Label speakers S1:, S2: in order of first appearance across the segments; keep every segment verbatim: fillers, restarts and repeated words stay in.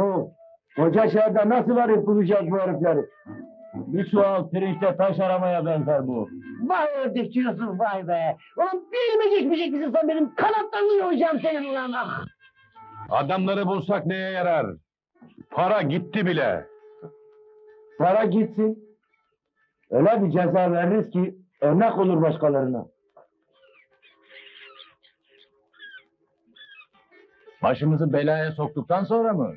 S1: Yok. Koca şehirde nasıl arayıp bulacağız bu herifleri?
S2: Bir çuval pirinçte taş aramaya benzer bu.
S1: Vay ördekçi Yusuf vay be! Ulan bir elime geçmeyecek misin sen benim kanatlarını yolacağım senin ulan ah!
S3: Adamları bulsak neye yarar? Para gitti bile.
S1: Para gitsin. Öyle bir ceza veririz ki örnek olur başkalarına.
S2: Başımızı belaya soktuktan sonra mı?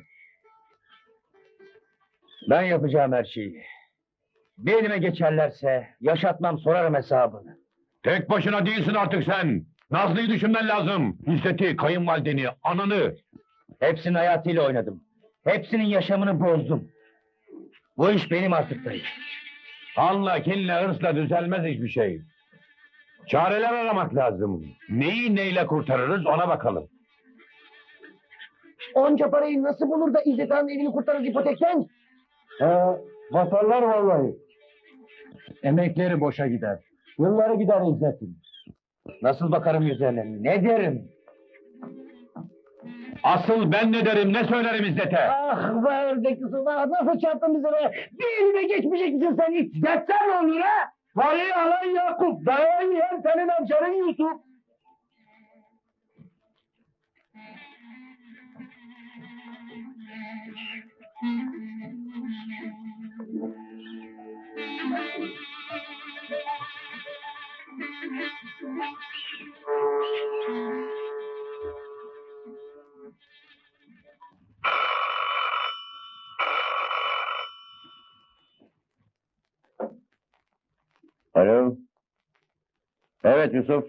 S1: Ben yapacağım her şeyi. Bir elime geçerlerse yaşatmam sorarım hesabını.
S3: Tek başına değilsin artık sen. Nazlı'yı düşünmen lazım. İzzet'i, kayınvalideni, ananı.
S1: Hepsinin hayatıyla oynadım. Hepsinin yaşamını bozdum. Bu iş benim artık dayı.
S3: Kanla, kinle, hırsla düzelmez hiçbir şey. Çareler aramak lazım. Neyi neyle kurtarırız ona bakalım.
S1: Onca parayı nasıl bulur da İzzet Han'ın evini kurtarır ipotekten? He, batarlar vallahi.
S2: Emekleri boşa gider.
S1: Yılları gider İzzet'in. Nasıl bakarım yüzlerine, ne derim?
S3: Asıl ben ne derim, ne söylerim İzzet'e?
S1: Ah be ördek Yusuf, ah nasıl çarptın bize be? Bir elime geçmeyecek misin sen hiç? Geçsen ne olur ha? Parayı alan Yakup, dayağı yiyen senin amcanın Yusuf.
S3: Alo. Evet Yusuf.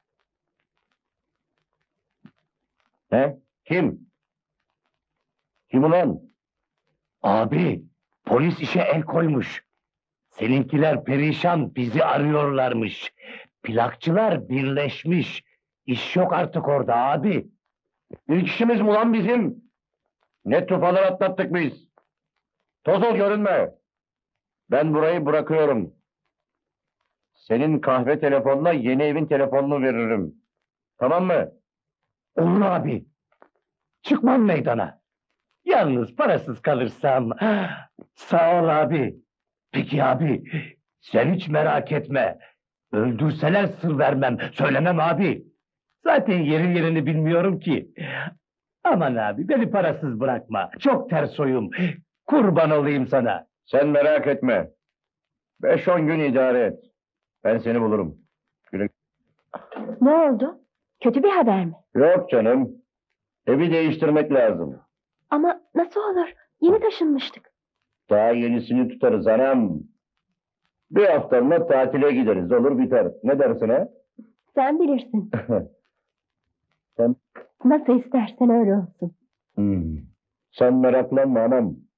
S3: He? Kim? Kim ulan?
S1: Abi, polis işe el koymuş. Seninkiler perişan, bizi arıyorlarmış. Plakçılar birleşmiş. İş yok artık orada abi.
S3: İlk işimiz mi ulan bizim? Ne tufalar atlattık biz. Toz ol görünme. Ben burayı bırakıyorum. Senin kahve telefonuna yeni evin telefonunu veririm. Tamam mı?
S1: Olur abi. Çıkmam meydana. Yalnız parasız kalırsam... Sağ ol abi. Peki abi, sen hiç merak etme. Öldürseler sır vermem, söylemem abi. Zaten yeri yerini bilmiyorum ki. Aman abi, beni parasız bırakma. Çok ters oyum. Kurban olayım sana.
S3: Sen merak etme. Beş on gün idare et. Ben seni bulurum. Güle...
S4: Ne oldu? Kötü bir haber mi?
S3: Yok canım. Evi değiştirmek lazım.
S4: Ama nasıl olur? Yeni taşınmıştık.
S3: Daha yenisini tutarız anam. Bir haftalığına tatile gideriz. Olur biter. Ne dersin ha?
S4: Sen bilirsin.
S3: Sen...
S4: Nasıl istersen öyle olsun.
S3: Hmm. Sen meraklanma anam.